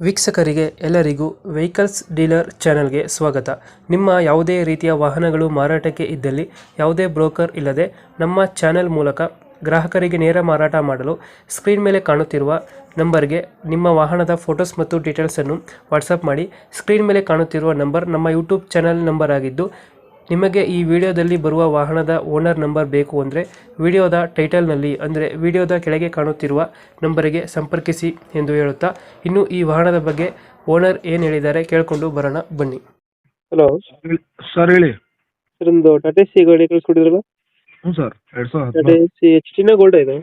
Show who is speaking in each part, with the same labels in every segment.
Speaker 1: ವೀಕ್ಷಕರಿಗೆ ಎಲ್ಲರಿಗೂ vehicles dealer ಚಾನೆಲ್ಗೆ ಸ್ವಾಗತ. ನಿಮ್ಮ ಯಾವುದೇ ರೀತಿಯ ವಾಹನಗಳು ಮಾರಾಟಕ್ಕೆ ಇದ್ದಲ್ಲಿ ಯಾವುದೇ ಬ್ರೋಕರ್ ಇಲ್ಲದೆ ನಮ್ಮ ಚಾನೆಲ್ ಮೂಲಕ ಗ್ರಾಹಕರಿಗೆ ನೇರ ಮಾರಾಟ ಮಾಡಲು ಸ್ಕ್ರೀನ್ ಮೇಲೆ ಕಾಣುತ್ತಿರುವ ನಂಬರ್ಗೆ ನಿಮ್ಮ ವಾಹನದ ಫೋಟೋಸ್ ಮತ್ತು ಡೀಟೇಲ್ಸನ್ನು ವಾಟ್ಸಪ್ ಮಾಡಿ. ಸ್ಕ್ರೀನ್ ಮೇಲೆ ಕಾಣುತ್ತಿರುವ ನಂಬರ್ ನಮ್ಮ ಯೂಟ್ಯೂಬ್ ಚಾನೆಲ್ ನಂಬರ್ ಆಗಿದ್ದು, ನಿಮಗೆ ಈ ವಿಡಿಯೋದಲ್ಲಿ ಬರುವ ವಾಹನದ ಓನರ್ ನಂಬರ್ ಬೇಕು ಅಂದರೆ ವಿಡಿಯೋದ ಟೈಟಲ್ನಲ್ಲಿ ಅಂದರೆ ವಿಡಿಯೋದ ಕೆಳಗೆ ಕಾಣುತ್ತಿರುವ ನಂಬರಿಗೆ ಸಂಪರ್ಕಿಸಿ ಎಂದು ಹೇಳುತ್ತಾ, ಇನ್ನು ಈ ವಾಹನದ ಬಗ್ಗೆ ಓನರ್ ಏನು ಹೇಳಿದ್ದಾರೆ ಕೇಳಿಕೊಂಡು ಬರೋಣ ಬನ್ನಿ. ಹಲೋ
Speaker 2: ಸರ್ ಹೇಳಿ.
Speaker 1: ಸರ್, ಒಂದು ಟಾಟಾ ಸಿ ಗಾಡಿ ಕಳಿಸ್ಕೊಟ್ಟಿದ್ರಲ್ಲ?
Speaker 2: ಹ್ಞೂ ಸರ್,
Speaker 1: ಟಾಟಾ ಸಿ ಎಚ್ ಟಿನ ಗೋಲ್ಡ್ ಇದೆ?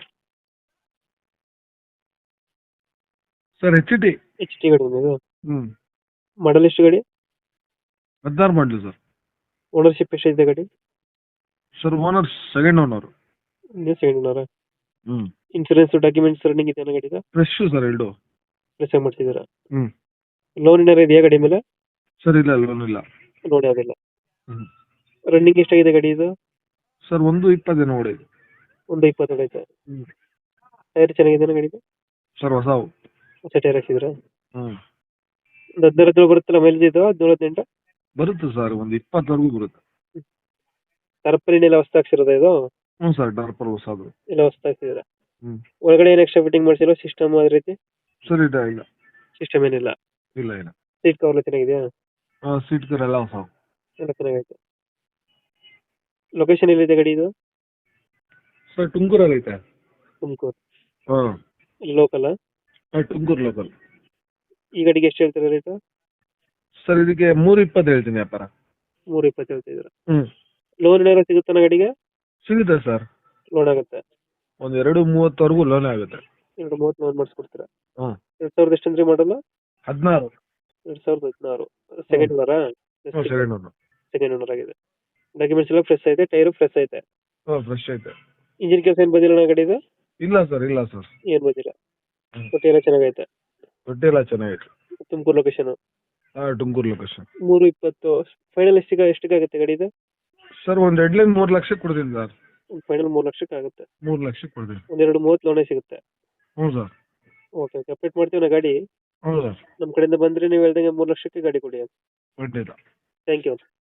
Speaker 2: Sir H T.
Speaker 1: H T ಗಾಡಿ ಇದು
Speaker 2: ಹ್ಞೂ,
Speaker 1: ಮಾಡಲ್ ಎಷ್ಟು ಗಾಡಿ?
Speaker 2: 16 ಮಾಡಲಿ ಸರ್.
Speaker 1: ಓನರ್ಶಿಪ್ ಎಷ್ಟಿದೆ ಗಾಡಿ?
Speaker 2: Sir owner second owner.
Speaker 1: ನೀವು ಸೆಕೆಂಡ್ ಓನರಾ?
Speaker 2: ಹ್ಞೂ,
Speaker 1: ಇನ್ಸೂರೆನ್ಸ್ ಡಾಕ್ಯುಮೆಂಟ್ಸ್ ರನ್ನಿಂಗ್ ಇದೆ ಗಾಡಿದ?
Speaker 2: ಫ್ರೆಶ್ ಸರ್ ಎರಡು.
Speaker 1: ಫ್ರೆಶ್ ಆಗಿ ಮಾಡ್ತಿದ್ದೀರಾ?
Speaker 2: ಹ್ಞೂ
Speaker 1: ಲೋನ್ ಏನಾರು ಇದೆಯಾ ಗಾಡಿ ಮೇಲೆ?
Speaker 2: ಸರ್ ಇಲ್ಲ, ಲೋನ್ ಇಲ್ಲ.
Speaker 1: ಲೋನ್ ಯಾವುದಿಲ್ಲ.
Speaker 2: ಹ್ಞೂ
Speaker 1: ರನ್ನಿಂಗ್ ಎಷ್ಟಾಗಿದೆ ಗಾಡಿ ಇದು?
Speaker 2: ಸರ್ 1:20 ನೋಡಿದ್ದು.
Speaker 1: 1:20 ಹೊಡೈತೆ.
Speaker 2: ಹ್ಞೂ
Speaker 1: ಟೈರ್ ಚೆನ್ನಾಗಿದೆ ಗಾಡಿದು?
Speaker 2: ಸರ್ ಹೊಸವು.
Speaker 1: ಹೊಸ ಟೈರ್ ಹಾಕ್ಸಿದ್ರಾ?
Speaker 2: ಹ್ಞೂ
Speaker 1: ಒಂದು 17 ಬರುತ್ತಲ್ಲ ಮೈಲೇಜ್ ಇದು? 17-18
Speaker 2: ಬರುತ್ತೆ ಸರ್, ಒಂದು 20ವರೆಗೂ ಬರುತ್ತೆ.
Speaker 1: ಟರ್ಪಲಿನ್ ಎಲ್ಲ ಹೊಸ ಹಾಕ್ಸಿರೋದ ಇದು?
Speaker 2: ಹ್ಞೂ ಸರ್, ಡಾರ್ಪರ್ ಹೊಸದು
Speaker 1: ಎಲ್ಲ ಹೊಸ ಹಾಕ್ಸಿದ್ರ?
Speaker 2: ಹ್ಞೂ.
Speaker 1: ಒಳಗಡೆ ಏನು ಎಕ್ಸ್ಟ್ರಾ ಫಿಟ್ಟಿಂಗ್ ಮಾಡಿಸಿರೋ ಸಿಸ್ಟಮ್ ಅದೇ ರೀತಿ?
Speaker 2: ಸರ್ ಇಲ್ಲ ಇಲ್ಲ
Speaker 1: ಸಿಸ್ಟಮ್ ಏನಿಲ್ಲ.
Speaker 2: ಇಲ್ಲ ಇಲ್ಲ.
Speaker 1: ಸೀಟ್ ಕವರ್ ಎಲ್ಲ ಚೆನ್ನಾಗಿದೆಯಾ?
Speaker 2: ಹಾಂ, ಸೀಟ್ ಕವರ್ ಎಲ್ಲ ಹೊಸವು.
Speaker 1: ಎಲ್ಲ ಚೆನ್ನಾಗೈತೆ. ಲೊಕೇಶನ್ ಎಲ್ಲಿದೆ ಗಾಡಿ ಇದು?
Speaker 2: ಸರ್ ತುಮಕೂರಲ್ಲಿ ಐತೆ.
Speaker 1: ತುಮಕೂರು?
Speaker 2: ಹಾಂ,
Speaker 1: ಲೋಕಲ್?
Speaker 2: ಹಾಂ ತುಮಕೂರು ಲೋಕಲ್.
Speaker 1: ಈ ಗಾಡಿಗೆ ಎಷ್ಟು ಹೇಳ್ತಾರೆ ರೇಟು?
Speaker 2: ಸರ್ ಇದಕ್ಕೆ 3:20 ಹೇಳ್ತೀನಿ ವ್ಯಾಪಾರ.
Speaker 1: 3:20 ಹೇಳ್ತಿದ್ದೀರಾ?
Speaker 2: ಹ್ಞೂ,
Speaker 1: ಲೋನ್ ಏನಾದ್ರು ಸಿಗುತ್ತಾನ ಗಾಡಿಗೆ?
Speaker 2: ಸಿಗುತ್ತೆ ಸರ್.
Speaker 1: ಲೋನ್ ಆಗುತ್ತೆ?
Speaker 2: ಒಂದು 2:30ವರೆಗೂ ಲೋನ್ ಆಗುತ್ತೆ.
Speaker 1: 2:30 ಲೋನ್ ಮಾಡಿಸ್ಕೊಡ್ತೀರಾ?
Speaker 2: ಹ್ಞೂ.
Speaker 1: 2000 ಎಷ್ಟಂದ್ರೆ ಮಾಡಲ್ಲ?
Speaker 2: 16.
Speaker 1: 2016. ಸೆಕೆಂಡ್ ಓನರಾ?
Speaker 2: Second owner.
Speaker 1: ಸೆಕೆಂಡ್ ಓನರ್ ಆಗಿದೆ. ಡಾಕ್ಯುಮೆಂಟ್ಸ್ ಎಲ್ಲ ಫ್ರೆಶ್ ಐತೆ, ಟೈರು ಫ್ರೆಶ್ ಐತೆ?
Speaker 2: ಹಾಂ, ಫ್ರೆಶ್ ಐತೆ.
Speaker 1: ಇಂಜಿನ್ ಕೆಲಸ ಏನು ಬಂದಿಲ್ಲ ಗಾಡಿದು?
Speaker 2: ಇಲ್ಲ ಸರ್, ಇಲ್ಲ ಸರ್.
Speaker 1: ಏನು ಬಂದಿಲ್ಲ. ತೊಟ್ಟಿ ಎಲ್ಲ ಚೆನ್ನಾಗೈತೆ?
Speaker 2: ತೊಟ್ಟಿ ಎಲ್ಲ ಚೆನ್ನಾಗೈತೆ.
Speaker 1: ತುಮಕೂರು ಲೊಕೇಶನ್?
Speaker 2: ಹಾಂ, ತುಮಕೂರು ಲೊಕೇಶನ್.
Speaker 1: 3:20 ಫೈನಲ್ ಎಷ್ಟಿಗಾಗುತ್ತೆ ಗಾಡಿ ಇದು?
Speaker 2: ಸರ್ ಒಂದು ಹೆಡ್ಲೈನ್ 3 ಲಕ್ಷಕ್ಕೆ ಕೊಡ್ತೀನಿ ಸರ್.
Speaker 1: ಫೈನಲ್ 3 ಲಕ್ಷಕ್ಕೆ ಆಗುತ್ತೆ?
Speaker 2: 3 ಲಕ್ಷಕ್ಕೆ ಕೊಡ್ತೀನಿ.
Speaker 1: ಒಂದು 2:30 ಲೋನೇ ಸಿಗುತ್ತೆ?
Speaker 2: ಹ್ಞೂ ಸರ್.
Speaker 1: ಓಕೆ ಓಕೆ, ಅಪ್ಡೇಟ್ ಮಾಡ್ತೀವಿ ನಾ ಗಾಡಿ.
Speaker 2: ಹ್ಞೂ ಸರ್.
Speaker 1: ನಮ್ಮ ಕಡೆಯಿಂದ ಬಂದರೆ ನೀವು ಹೇಳ್ದಂಗೆ 3 ಲಕ್ಷಕ್ಕೆ ಗಾಡಿ ಕೊಡಿ.
Speaker 2: ಖಂಡಿತ.
Speaker 1: Thank you.